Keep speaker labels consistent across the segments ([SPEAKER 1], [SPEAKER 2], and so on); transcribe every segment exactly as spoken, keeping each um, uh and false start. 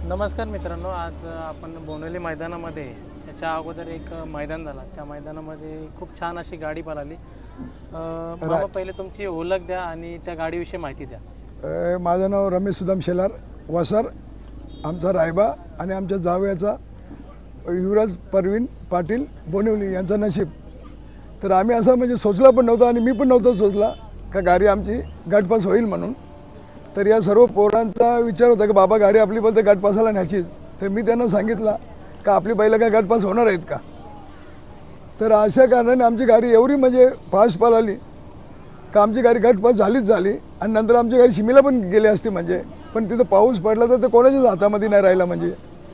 [SPEAKER 1] नमस्कार मित्रांनो, आज आपण बोनवली मैदानामध्ये याच्या अगोदर एक मैदान झाला. त्या मैदानामध्ये खूप छान अशी गाडी पळाली. बाबा पहिले तुमची ओळख द्या आणि त्या गाडीविषयी माहिती द्या.
[SPEAKER 2] माझं नाव रमेश सुदाम शेलार वसर, आमचा रायबा आणि आमच्या जावयाचा युवराज परवीन पाटील बोनिवली यांचा नशीब. तर आम्ही असं म्हणजे सोचला पण नव्हतं आणि मी पण नव्हतं सोचला का गाडी आमची गटपास होईल म्हणून. तर या सर्व पोरांचा विचार होता की बाबा गाडी आपली बोलते गटपासाला न्यायचीच. तर मी त्यांना सांगितलं का आपली बैलं काय गटपास होणार आहेत का. तर अशा कारणाने आमची गाडी एवढी म्हणजे फास्ट पळाली का आमची गाडी गटपास झालीच झाली. आणि नंतर आमची गाडी शिमीला पण गेली असती म्हणजे, पण तिथं पाऊस पडला तर ते कोणाच्याच हातामध्ये नाही राहिला. म्हणजे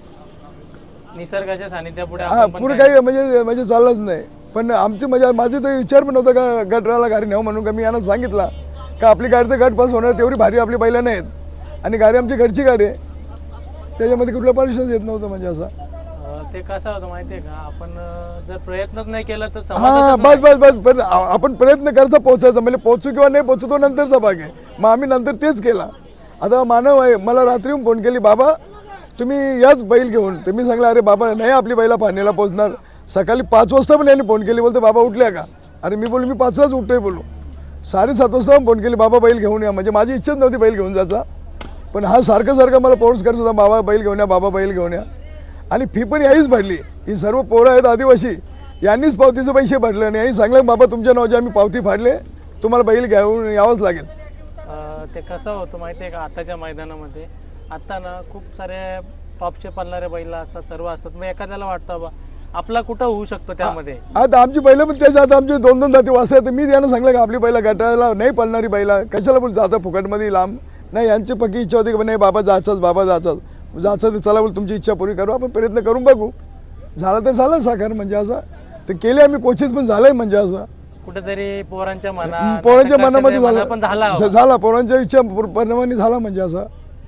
[SPEAKER 1] निसर्गाच्या सानिध्यापुढे
[SPEAKER 2] हां पुढे काही म्हणजे म्हणजे चाललंच नाही. पण आमची म्हणजे माझी तो विचार पण नव्हता का गटराला गाडी नेऊ म्हणून. का मी यांना सांगितलं का आपली गाडी तर गट पास होणार, तेवढी भारी आपली बैला नाहीत आणि गाडी आमची घरची गाडी आहे, त्याच्यामध्ये कुठलं परीक्षाच येत नव्हतं. म्हणजे असं
[SPEAKER 1] ते कसं होतं माहिती आहे का, आपण जर प्रयत्नच नाही केला तर
[SPEAKER 2] हां बस बस बस बस आपण प्रयत्न करायचा पोचायचा, म्हणजे पोचू किंवा नाही पोचू तो नंतरचा भाग आहे. मग आम्ही नंतर तेच केला. आता मानव आहे, मला रात्री फोन केली, बाबा तुम्ही याच बैल घेऊन. तर मी सांगलं अरे बाबा नाही आपली बैला पाण्याला पोचणार. सकाळी पाच वाजता पण यांनी फोन केली, बोलते बाबा उठल्या का. अरे मी बोलू मी पाचलाच उठतोय बोलू. साडेसात वाजता फोन केली, बाबा बैल घेऊन या. म्हणजे माझी इच्छाच नव्हती बैल घेऊन जायचा, पण हा सारखं सारखं मला फोर्स करत होता, बाबा बैल घेऊन या, बाबा बैल घेऊन या. आणि फी पण याहीच भरली. ही सर्व पोरं आहेत आदिवासी, यांनीच पावतीचे पैसे भरले आणि यांनी सांगलं बाबा तुमच्या नावाचे आम्ही पावती फाडले, तुम्हाला बैल घेऊन यावंच लागेल.
[SPEAKER 1] ते कसं होतं माहिती आहे का, आताच्या मैदानामध्ये आता ना खूप सारे टॉपचे पळणारे बैल असतात, सर्व असतात. मग एखाद्याला वाटतं बा आपला कुठं होऊ शकतो त्यामध्ये.
[SPEAKER 2] आता आमची बैलं पण त्याच्या आता आमचे दोन दोन जाती वाजता तर मी त्यांना सांगलं का आपली बैला गटाला नाही पळणारी बैला कशाला बोल जातं फुकटमध्ये लांब. नाही यांची पक्की इच्छा होती की नाही बाबा जायचंच बाबा जायचंच जायचं तर चला बोल तुमची इच्छा पुरी करू, आपण प्रयत्न करून बघू. झालं तर झालं साकार म्हणजे असं. तर केले आम्ही कोशिश पण झालंय म्हणजे असं
[SPEAKER 1] कुठेतरी पोरांच्या मनात
[SPEAKER 2] पोरांच्या मनामध्ये झालं
[SPEAKER 1] पण झाला
[SPEAKER 2] झाला पोरांच्या इच्छा परिणामाने झाला म्हणजे असं.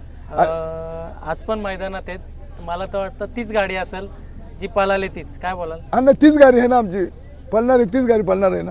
[SPEAKER 1] आज पण मैदानात आहेत, मला तर वाटतं तीच गाडी असेल जी पळाली तीच. काय बोलाल.
[SPEAKER 2] हा ना तीच गाडी आहे ना आमची पळणार आहे, तीच गाडी पळणार आहे ना.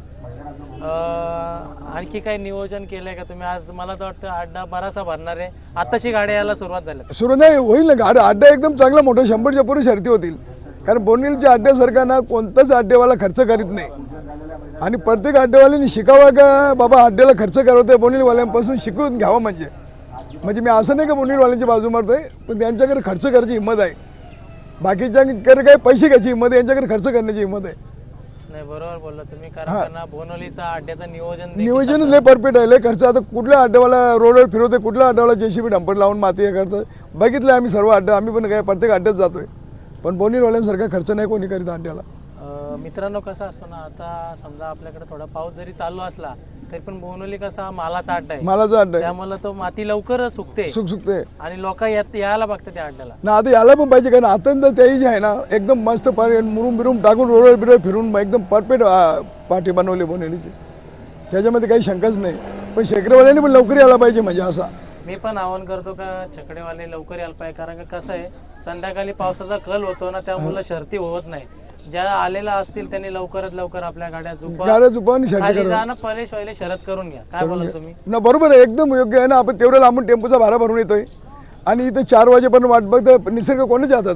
[SPEAKER 1] आणखी काही नियोजन केलंय का तुम्ही. आज मला तर वाटतं अड्डा बराचसा भरणार आहे, आताशी गाड्या यायला सुरुवात झाली.
[SPEAKER 2] सुरू नाही होईल ना गाडी. अड्डा एकदम चांगला मोठा शंभरच्या पुढे शर्ती होतील. कारण बोनिवलीच्या अड्ड्यासारखा ना कोणताच अड्डेवाला खर्च करीत नाही. आणि प्रत्येक अड्डेवाल्यांनी शिकावा का बाबा अड्ड्याला खर्च करवतोय बोनिवलीवाल्यांपासून शिकून घ्यावं. म्हणजे म्हणजे मी असं नाही का बोनिवलीवाल्यांची बाजू मारतोय, पण त्यांच्याकडे खर्च करायची हिंमत आहे. बाकीच्यांकडे काही पैसे घ्यायची हिंमत आहे, यांच्याकडे खर्च करण्याची हिंमत आहे.
[SPEAKER 1] नाही बरोबर बोलला तुम्ही, कारण बोनवलीचा अड्ड्याचं नियोजन
[SPEAKER 2] नियोजन लय परफेक्ट आहे. लय खर्च आता कुठल्या अड्ड्यावाला रोडवर फिरवते, कुठल्या अड्ड्यावाला जेसीबी डंपर लावून माती हे करतं बघितलं आम्ही सर्व अड्डा. आम्ही पण काय प्रत्येक अड्ड्यात जातोय, पण बोनिवलीवाल्यांसारखा खर्च नाही कोणी करीत अड्ड्याला.
[SPEAKER 1] मित्रांनो कसं असतं ना, आता समजा आपल्याकडे थोडा पाऊस जरी चालू असला तरी पण बोनवली कसा मालाचा अड्डा आहे,
[SPEAKER 2] मालाचा अड्डा आहे,
[SPEAKER 1] त्यामुळे तो माती लवकर सुकते
[SPEAKER 2] सुक सुकते
[SPEAKER 1] आणि लोक यायला बघतात त्या अड्ड्याला
[SPEAKER 2] ना. आता याला पण पाहिजे कारण आता त्याही जे आहे ना एकदम मस्त मुरुम बिरुम टाकून रोड बिरोड फिरून एकदम परफेक्ट पाठी बनवली बोनिवलीची, त्याच्यामध्ये काही शंकाच नाही. पण शेकरेवाल्यांनी पण लवकर यायला पाहिजे म्हणजे असा
[SPEAKER 1] मी पण आवाहन करतो का छकडेवाले लवकर यायला पाहिजे. कारण का कसं आहे संध्याकाळी पावसाचा कल होतो ना, त्यामुळे शर्ती होत नाही. ज्या आलेला असतील त्यांनी लवकरात लवकर आपल्या गाड्या
[SPEAKER 2] गाड्या झुपावून
[SPEAKER 1] खाली जाणं परेश व्हायला शरद करून घ्या. काय बोला तुम्ही
[SPEAKER 2] ना. बरोबर आहे, एकदम योग्य आहे ना. आपण तेवढं लांबून टेम्पोचा भाडा भरून येतोय आणि इथं चार वाजेपर्यंत वाट बघतो. निसर्ग कोणाच्या हातात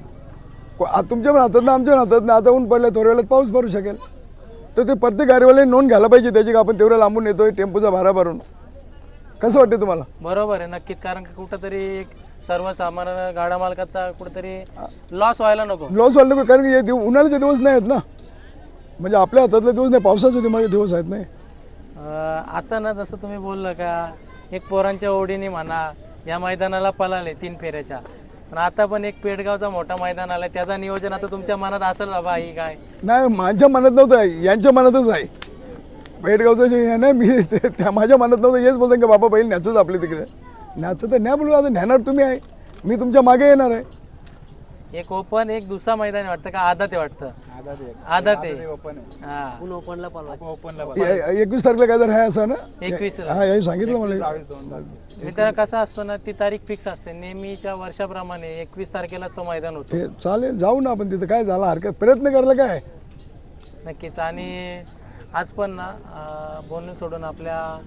[SPEAKER 2] आहे, तुमच्या पण हातात ना आमच्या हातात ना. आता ऊन पडलं थोड्या वेळात पाऊस भरू शकेल, तर ते प्रत्येक गाडीवाल्याने नोंद घ्यायला पाहिजे त्याची, का आपण तेवढं लांबून येतोय टेम्पोचा भाडा भरून. कसं वाटतं तुम्हाला.
[SPEAKER 1] बरोबर आहे नक्कीच, कारण की कुठंतरी एक सर्वसामान्य गाडा मालकाचा कुठेतरी लॉस व्हायला नको. लॉस
[SPEAKER 2] व्हायला नको, कारण की उन्हाळ्याचे दिवस नाही आहेत ना, म्हणजे आपल्या हातातले दिवस नाही, पावसाचे माझे दिवस आहेत नाही.
[SPEAKER 1] आता ना जसं तुम्ही बोललं का एक पोरांच्या ओढीने म्हणा या मैदानाला पळाले तीन फेऱ्याच्या, पण आता पण एक पेडगावचा मोठा मैदान आलाय, त्याचा नियोजन आता तुमच्या मनात असेल बाबा. ही काय
[SPEAKER 2] नाही माझ्या मनात नव्हतं, यांच्या मनातच आहे. पेडगावचं जे आहे ना, मी त्या माझ्या मनात नव्हतं. हेच बोलतो की बाबा बैल न्याचंच आपले तिकडे न्याचं तर न्या बोलू. आता न्याणार तुम्ही आहे, मी तुमच्या मागे येणार आहे.
[SPEAKER 1] एक ओपन एक दुसरा मैदान वाटतं का आदत आहे वाटतं. आदत आहे
[SPEAKER 2] एकवीस तारखेला काय तर आहे असं ना.
[SPEAKER 1] एकवीस
[SPEAKER 2] हा हे सांगितलं मला.
[SPEAKER 1] मित्र कसं असतो ना, ती तारीख फिक्स असते नेहमीच्या वर्षाप्रमाणे. एकवीस तारखेला तो मैदान होतो.
[SPEAKER 2] चालेल जाऊ ना आपण तिथं, काय झालं हरकत, प्रयत्न करायला काय
[SPEAKER 1] नक्कीच. आणि आज पण ना बोलून सोडून आपल्या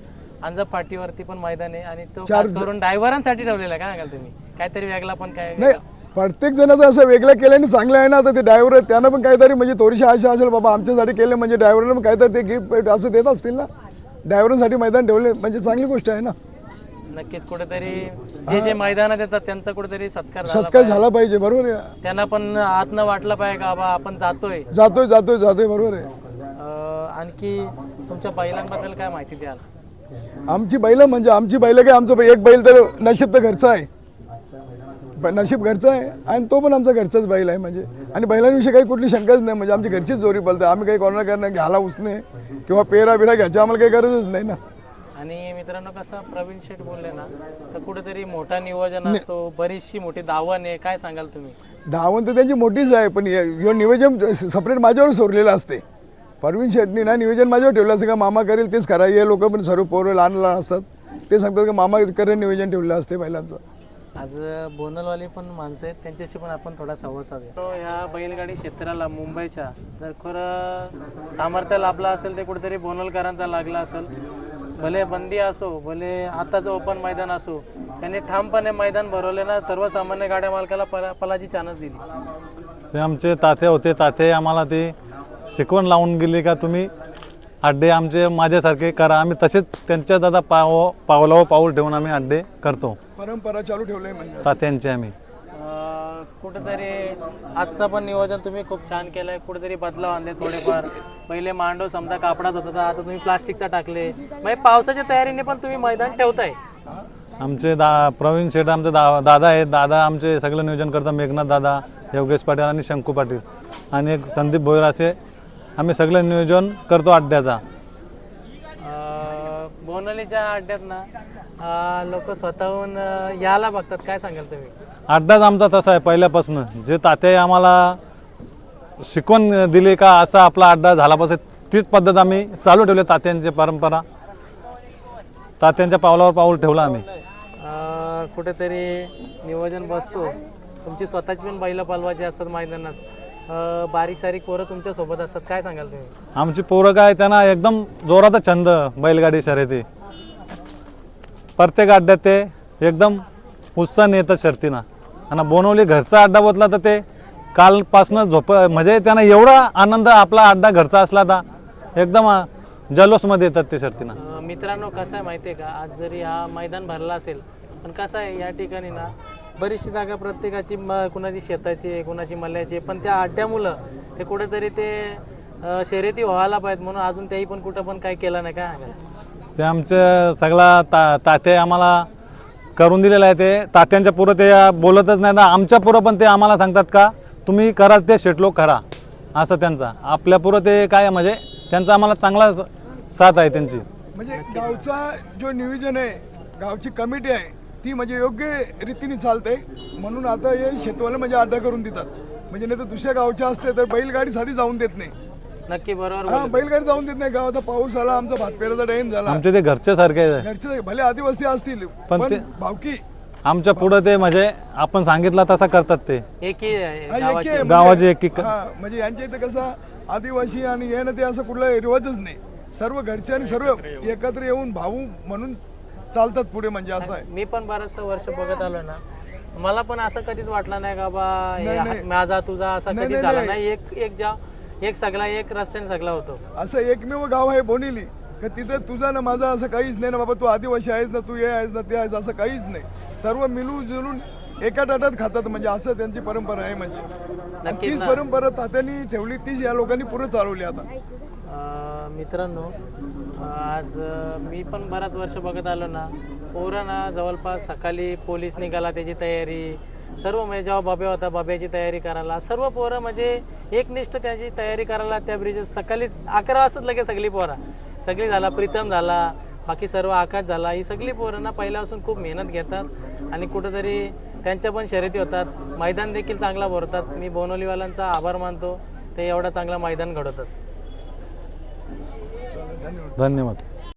[SPEAKER 1] अंजप फाटीवरती पण मैदान आहे आणि तो
[SPEAKER 2] चार
[SPEAKER 1] खास करून ड्रायव्हरांसाठी ठेवलेला आहे. काय सांगाल तुम्ही, काहीतरी वेगळा पण काय?
[SPEAKER 2] नाही प्रत्येक जणाचं असं वेगळं केल्याने चांगलं आहे ना. आता ते ड्रायव्हर त्यांना पण काहीतरी म्हणजे थोडीशी आशा असेल बाबा आमच्यासाठी केलं म्हणजे ड्रायव्हरला पण काहीतरी ते गिफ्ट असं देत असतील ना. ड्रायव्हरांसाठी मैदान ठेवले म्हणजे चांगली गोष्ट आहे ना.
[SPEAKER 1] नक्कीच कुठेतरी जे जे मैदानात येतात त्यांचा कुठेतरी सत्कार झाला
[SPEAKER 2] सत्कार झाला पाहिजे. बरोबर आहे.
[SPEAKER 1] त्यांना पण आत न वाटलं पाहिजे का बाबा आपण जातोय.
[SPEAKER 2] जातोय जातोय जातोय बरोबर आहे.
[SPEAKER 1] अं, आणखी तुमच्या बैलांबद्दल काय माहिती द्याल?
[SPEAKER 2] आमची बैल म्हणजे आमची बैल काय आमचं एक बैल तर नशीब तर घरचा आहे. ब- नशीब घरचा आहे आणि तो पण आमचा घरचाच बैल आहे म्हणजे. आणि बैलांविषयी काही कुठली शंकाच नाही म्हणजे आमची घरचीच जोरी बोलते. आम्ही काही कोणाला करणं घ्यायला उसणे किंवा पेरा बिरा घ्यायची आम्हाला काही गरजच नाही ना.
[SPEAKER 1] आणि मित्रांनो कसं प्रवीण शेठ बोलले ना तर कुठेतरी मोठा नियोजन असतो, बरीचशी मोठी दावण आहे. काय सांगाल तुम्ही?
[SPEAKER 2] धावण तर त्यांची मोठीच आहे पण हे नियोजन सेपरेट माझ्यावर सोडलेलं असते. परवीन शेटनी ना नियोजन माझ्यावर ठेवलं असतं का मामा करेल तेच करा. हे लोक पण सर्व पोरं लहान लहान असतात ते सांगतात का मामा करेल नियोजन ठेवलं असते बैलांचं.
[SPEAKER 1] आज बोनलवाली पण माणसं आहेत त्यांच्याशी पण आपण थोडा संवाद साधूया. तो ह्या बैलगाडी क्षेत्राला मुंबईच्या जर खरं सामर्थ्य लाभला असेल ते कुठेतरी बोनलकरांचा लागला असेल. भले बंदी असो भले आताचं ओपन मैदान असो त्यांनी ठामपणे मैदान भरवले ना. सर्वसामान्य गाड्या मालकाला पला पलाची चानस दिली.
[SPEAKER 3] ते आमचे ताते होते. ताते आम्हाला ते शिकवण लावून गेले का तुम्ही अड्डे आमचे माझ्यासारखे करा. आम्ही तसेच त्यांच्या दादा पाव पावलावर पाऊल ठेवून आम्ही अड्डे करतो.
[SPEAKER 2] परंपरा चालू ठेवलंय म्हणजे
[SPEAKER 3] तात्यांचे आम्ही
[SPEAKER 1] अं, कुठेतरी आजचं पण नियोजन तुम्ही खूप छान केलंय. कुठेतरी बदलाव आणले थोडेफार. पहिले मांडव समजा कापडात होता तर आता तुम्ही प्लास्टिकचा टाकले. म्हणजे पावसाच्या तयारीने पण तुम्ही मैदान ठेवताय.
[SPEAKER 3] आमचे दा प्रवीण शेठ आमचे दा दादा आहेत. दादा आमचे सगळं नियोजन करतात. मेघनाथ दादा, योगेश पाटील आणि शंकू पाटील आणि एक संदीप भोयर असे आम्ही सगळं नियोजन करतो अड्ड्याचा.
[SPEAKER 1] अं, बोनलीच्या अड्ड्यात ना लोक स्वतःहून अं, यायला बघतात. काय सांगाल तुम्ही?
[SPEAKER 3] अड्डाच आमचा तसा आहे पहिल्यापासून. जे ताते आम्हाला शिकवण दिली का असा आपला अड्डा झाला पाहिजे तीच पद्धत आम्ही चालू ठेवली. तात्यांची परंपरा तात्यांच्या पावलावर पाऊल ठेवलं आम्ही.
[SPEAKER 1] अं, कुठेतरी नियोजन बसतो. तुमची स्वतःची पण बैलं पालवायची असतात मैदानात. अं, बारीक सारीक पोरं तुमच्या सोबत असतात. काय सांगाल तुम्ही?
[SPEAKER 3] आमची पोरं काय त्यांना एकदम जोराचा छंद बैलगाडी शर्यती. प्रत्येक अड्ड्यात ते एकदम उत्साहाने येतात शर्तीनं. आणि बोनवली घरचा अड्डा बसला तर ते कालपासनं झोप म्हणजे त्यांना एवढा आनंद आपला अड्डा घरचा असला तर एकदम जल्लोषमध्ये येतात ते शर्तीनं.
[SPEAKER 1] अं, मित्रांनो कसं आहे माहिती आहे का, आज जरी हा मैदान भरला असेल पण कसं आहे या ठिकाणी ना बरीचशी जागा प्रत्येकाची म कुणाची शेताची आहे कुणाची मल्ल्याची आहे. पण त्या अड्ड्यामुळं ते कुठेतरी ते अं, शर्यती व्हायला पाहिजेत म्हणून अजून त्याही पण कुठं पण काय केलं नाही. काय सांगाल?
[SPEAKER 3] ते आमचे सगळा ता ताते आम्हाला करून दिलेलं आहे. ते तात्यांच्या पुरं ते बोलतच नाही ना. आमच्या पुरं पण ते आम्हाला सांगतात का तुम्ही करा ते शेटलो करा असं त्यांचा. आपल्या पुरं ते काय म्हणजे त्यांचा आम्हाला चांगला साथ आहे त्यांची.
[SPEAKER 2] म्हणजे गावचा जो नियोजन आहे गावची कमिटी आहे ती म्हणजे योग्य रीतीने चालते म्हणून आता हे शेतवाले म्हणजे अड्डा करून देतात. म्हणजे नाही तर दुसऱ्या गावच्या असते तर बैलगाडी साधी जाऊन देत नाही.
[SPEAKER 1] नक्की बरोबर
[SPEAKER 2] हा
[SPEAKER 1] बोलले.
[SPEAKER 2] बैलगाडी जाऊन देत नाही. गावाचा पाऊस आला आमचा भातपेराचा टाइम झाला
[SPEAKER 3] आमचे ते घरचे सारखे आहे.
[SPEAKER 2] घरचे भले आदिवासी असतील
[SPEAKER 3] पण
[SPEAKER 2] पण
[SPEAKER 3] ते-
[SPEAKER 2] भावकी
[SPEAKER 3] आमच्या पुढं ते म्हणजे आपण सांगितलं तसं करतात ते.
[SPEAKER 1] एकी आहे
[SPEAKER 2] हा, एकी
[SPEAKER 1] गावाची.
[SPEAKER 2] आहे म्हणजे-
[SPEAKER 3] गावाची एकी क-
[SPEAKER 2] हा, म्हणजे यांच्या इथं कसं आदिवासी आणि हे ना ते असं कुठला रिवाजच नाही. सर्व घरचे आणि सर्व एकत्र येऊन भाऊ म्हणून चालतात पुढे म्हणजे असं आहे.
[SPEAKER 1] मी पण बरंचसं वर्ष बघत आलो ना मला पण असं कधीच वाटलं नाही का बा हे
[SPEAKER 2] नाही, नाही.
[SPEAKER 1] माझा तुझा असा
[SPEAKER 2] नाही,
[SPEAKER 1] कधीच
[SPEAKER 2] नाही,
[SPEAKER 1] झाला
[SPEAKER 2] नाही.
[SPEAKER 1] नाही. एक एक जा एक सगळा एक रस्त्याने सगळा होतो.
[SPEAKER 2] असं एकमेव गाव आहे बोनिली का तिथं तुझा ना माझा असं काहीच नाही ना बाबा तू आदिवासी आहेस ना तू हे आहेस ना ते आहेस असं काहीच नाही. सर्व मिळून जुळून एका ताटात खातात म्हणजे असं त्यांची परंपरा आहे. म्हणजे आणि
[SPEAKER 1] नक्कीच
[SPEAKER 2] तीच
[SPEAKER 1] ना.
[SPEAKER 2] परंपरा तात्यांनी ठेवली तीच या लोकांनी पुढे चालवली आता.
[SPEAKER 1] अं, मित्रांनो अं, आज अं, मी पण बराच वर्ष बघत आलो ना पोरं ना जवळपास सकाळी पोलीस निघाला त्याची तयारी सर्व म्हणजे जेव्हा बाबे होता बाब्याची तयारी करायला सर्व पोरं म्हणजे एकनिष्ठ त्याची तयारी करायला त्या ब्रिज सकाळी अकरा वाजताच लगेच सगळी पोरं सगळी झाला. प्रीतम झाला बाकी सर्व आकाश झाला. ही सगळी पोरं ना पहिल्यापासून खूप मेहनत घेतात आणि कुठंतरी त्यांच्या पण शर्यती होतात. मैदान देखील चांगला भरतात. मी बोनवलीवाल्यांचा आभार मानतो ते एवढा चांगला मैदान घडवतात.
[SPEAKER 3] धन्यवाद.